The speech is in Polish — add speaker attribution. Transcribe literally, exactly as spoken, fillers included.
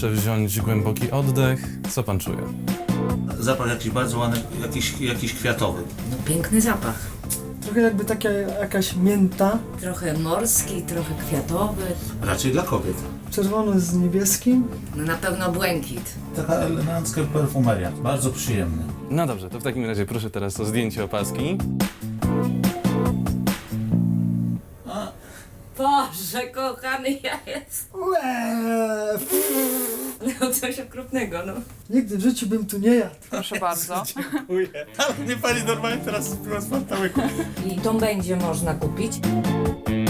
Speaker 1: Proszę wziąć głęboki oddech. Co pan czuje?
Speaker 2: Zapach jakiś bardzo ładny, jakiś, jakiś kwiatowy.
Speaker 3: No piękny zapach.
Speaker 4: Trochę jakby taka jakaś mięta,
Speaker 3: Trochę morski, trochę kwiatowy.
Speaker 2: Raczej dla kobiet.
Speaker 4: czerwony z niebieskim.
Speaker 3: No na pewno błękit.
Speaker 2: Taka elegancka perfumeria, bardzo przyjemny.
Speaker 1: No dobrze, to w takim razie proszę teraz o zdjęcie opaski.
Speaker 3: Boże, kochany ja jest.
Speaker 4: Łe,
Speaker 3: No coś okropnego, no.
Speaker 4: nigdy w życiu bym tu nie jadł.
Speaker 5: Proszę bardzo.
Speaker 2: Ale mnie pani normalnie teraz spiła z pantałyku.
Speaker 3: I tą będzie można kupić.